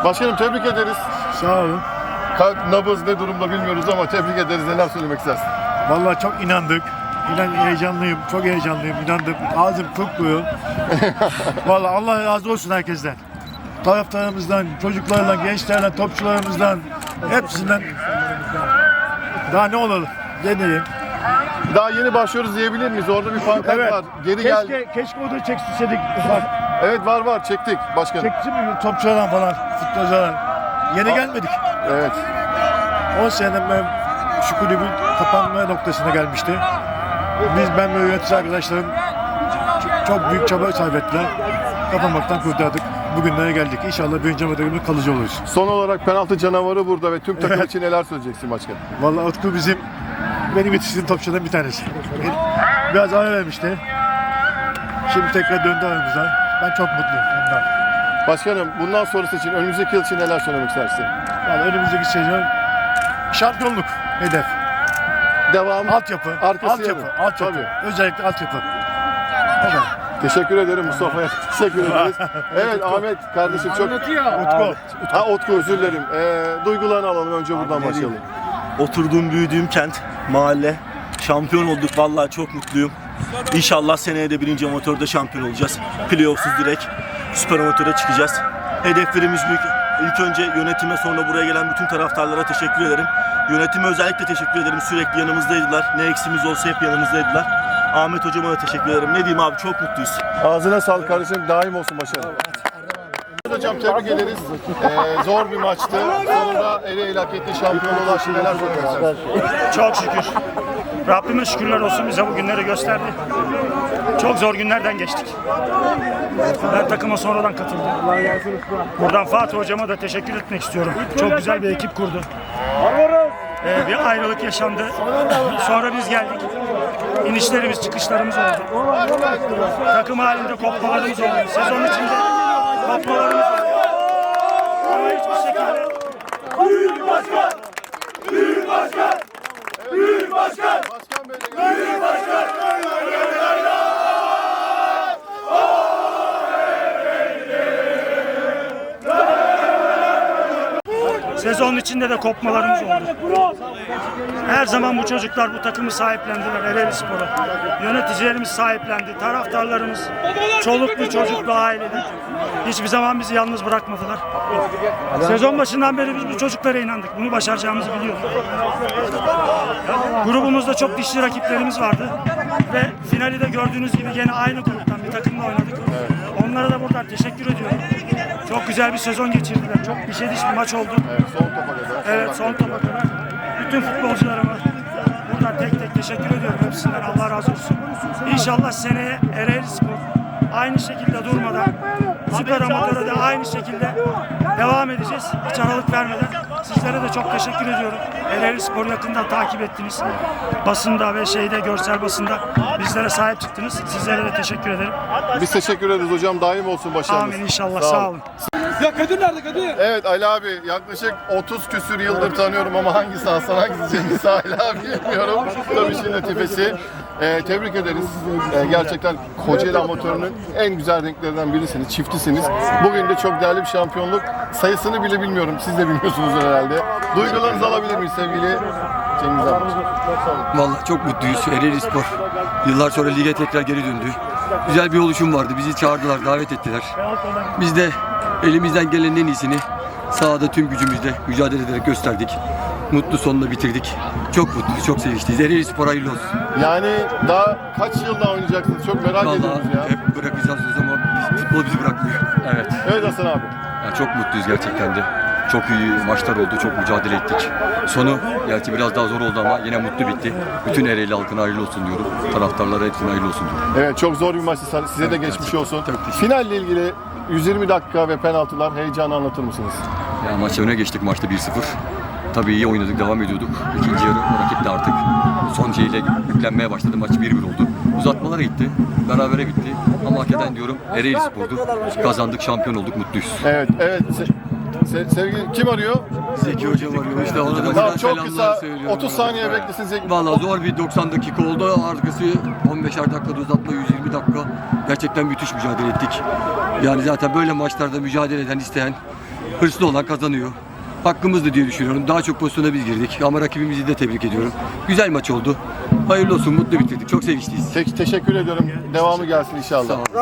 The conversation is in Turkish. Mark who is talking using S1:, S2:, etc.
S1: Başkanım tebrik ederiz.
S2: Sağ olun.
S1: Kalp, nabız ne durumda bilmiyoruz ama tebrik ederiz. Neler söylemek istersin?
S2: Vallahi çok inandık. Heyecanlıyım, çok heyecanlıyım, inandım. Ağzım kokluyor. Vallahi Allah razı olsun herkesten. Taraftarımızdan, çocuklarla, gençlerle, topçularımızdan, hepsinden. Daha ne olalım? Ne diyeyim?
S1: Daha yeni başlıyoruz diyebilir miyiz? Orada bir pankart var. Geri gel.
S2: Keşke o da çekseydik. Bak,
S1: Evet var çektik başkanım.
S2: çekti mi topçulardan falan, futbolculardan. Yeni gelmedik.
S1: Evet.
S2: 10 seneden ben şu kulübün kapanma noktasına gelmişti. Ben ve yönetici arkadaşlarım çok büyük çaba sarf ettiler. Kapanmaktan kurtardık. Bugünlere geldik. İnşallah birinci amatörümüz kalıcı oluruz.
S1: Son olarak penaltı canavarı burada ve tüm takım için neler söyleyeceksin başkanım?
S2: Vallahi Utku benim yetiştiğim topçulardan bir tanesi. Biraz ara vermişti. Şimdi tekrar döndü aramıza. Ben çok mutluyum ondan.
S1: Başkanım bundan sonrası için önümüzdeki yıl için neler söylemek istersin?
S2: Vallahi önümüzdeki sezon şampiyonluk hedef.
S1: Devam.
S2: Altyapı.
S1: Arkası yarın.
S2: Altyapı.
S1: Tabii.
S2: Özellikle altyapı. O kadar.
S1: Teşekkür ederim Mustafa'ya. Teşekkür ederiz. Evet Ahmet kardeşim çok...
S2: Utku.
S1: Utku özür dilerim. Duygularını alalım önce buradan başlayalım.
S3: Oturduğum, büyüdüğüm kent, mahalle. Şampiyon olduk. Vallahi çok mutluyum. İnşallah seneye de birinci amatörde şampiyon olacağız. Playoff'suz direkt süper amatöre çıkacağız. Hedeflerimiz büyük. İlk önce yönetime, sonra buraya gelen bütün taraftarlara teşekkür ederim. Yönetime özellikle teşekkür ederim. Sürekli yanımızdaydılar. Ne eksimiz olsa hep yanımızdaydılar. Ahmet hocama da teşekkür ederim. Ne diyeyim abi, çok mutluyuz.
S1: Ağzına sağlık kardeşim. Daim olsun başarı. Hocam tebrik ederiz. Zor bir maçtı. Sonunda Ereğli hak etti. Şampiyonluğa ulaştı. Neler söylemek istersin?
S4: Çok şükür. Rabbime şükürler olsun, bize bu günleri gösterdi. Çok zor günlerden geçtik. Ben takıma sonradan katıldım. Buradan Fatih hocama da teşekkür etmek istiyorum. Çok güzel bir ekip kurdu. Bir ayrılık yaşandı. Sonra biz geldik. İnişlerimiz, çıkışlarımız oldu. Takım halinde kopmalarımız oldu. Sezon içinde kopmalarımız oldu. Ama hiçbir şekilde
S1: Büyük başkan! Büyük başkan! Büyük başkan! Başkan Bey'le Büyük başkan!
S4: sezon içinde de kopmalarımız oldu. Her zaman bu çocuklar bu takımı sahiplendiler, Ereğli Spor'u. Yöneticilerimiz sahiplendi, taraftarlarımız, çoluklu çocuklu ailede. Hiçbir zaman bizi yalnız bırakmadılar. Sezon başından beri biz bu çocuklara inandık. Bunu başaracağımızı biliyorduk. Grubumuzda çok dişli rakiplerimiz vardı. Ve finali de gördüğünüz gibi yine aynı gruptan bir takımla oynadık. Onlara da buradan teşekkür ediyorum. Çok güzel bir sezon geçirdiler. Çok dişe diş bir maç oldu.
S1: Evet, son topa kadar.
S4: Evet, son topa kadar. Bütün futbolcularıma buradan tek tek teşekkür ediyorum. Hepsinden Allah razı olsun. İnşallah seneye Ereğli Spor aynı şekilde durmadan süper amatöre de aynı şekilde devam edeceğiz. Hiç aralık vermeden. Sizlere de çok teşekkür ediyorum. Ereğli Spor'u yakından takip ettiniz. Basında ve görsel basında bizlere sahip çıktınız. Sizlere de teşekkür ederim.
S1: Biz teşekkür ederiz hocam. Daim olsun başarınız.
S4: Amin inşallah. Sağ olun.
S5: Ya Kadir nerede Kadir?
S1: Evet Ali abi yaklaşık 30 küsür yıldır tanıyorum ama hangisi Hasan hangisi Cengiz hala bilmiyorum. Tabii işin latifesi. Tebrik ederiz. Gerçekten Kocaeli amatörünün en güzel renklerinden birisiniz. Çiftisiniz. Bugün de çok değerli bir şampiyonluk. Sayısını bile bilmiyorum. Siz de bilmiyorsunuz herhalde. Duygularınızı alabilir miyiz sevgili Cengiz abi?
S6: Vallahi çok mutluyuz. Ereğli Spor yıllar sonra lige tekrar geri döndü. Güzel bir oluşum vardı. Bizi çağırdılar, davet ettiler. Biz de elimizden gelenin en iyisini sahada tüm gücümüzle mücadele ederek gösterdik. Mutlu sonla bitirdik. Çok mutluyuz, çok sevinçliyiz. Ereğli Spor hayırlı olsun.
S1: Yani daha kaç yıl daha oynayacaksınız? Çok merak ediyoruz ya.
S6: Vallahi hep bırakacağız ama futbol bizi bırakmıyor. Evet.
S1: Evet Hasan abi.
S6: Yani çok mutluyuz gerçekten de. Çok iyi maçlar oldu, çok mücadele ettik. Sonu gerçi biraz daha zor oldu ama yine mutlu bitti. Bütün Ereğli halkına hayırlı olsun diyorum. Taraftarlara hepsine hayırlı olsun diyorum.
S1: Evet çok zor bir maçtı. Size de geçmiş olsun. Finalle ilgili 120 dakika ve penaltılar heyecanı anlatır mısınız?
S6: Ya maç öne geçtik maçta 1-0. Tabii iyi oynadık, devam ediyorduk. İkinci yarı rakip de artık son şeyle yüklenmeye başladı. Maç 1-1 oldu. Uzatmalara gitti. Berabere bitti. Ama hak eden diyorum Ereğli Spor'du. Kazandık, şampiyon olduk, mutluyuz.
S1: Evet. Sevgili kim arıyor?
S6: Zeki hocam arıyor. İşte ona da
S1: Tamam, çok
S6: selamlar
S1: kısa
S6: söylüyorum.
S1: 30 saniye beklesin Zeki.
S6: Vallahi zor bir 90 dakika oldu. Arkası 15'er dakikada uzatma, 120 dakika. Gerçekten müthiş mücadele ettik. Yani zaten böyle maçlarda mücadele eden, isteyen hırslı olan kazanıyor. Hakkımızdı diye düşünüyorum. Daha çok pozisyona biz girdik ama rakibimizi de tebrik ediyorum. Güzel maç oldu. Hayırlı olsun, mutlu bitirdik. Çok sevinçliyiz.
S1: Teşekkür ediyorum. Devamı gelsin inşallah.
S6: Sağ olun.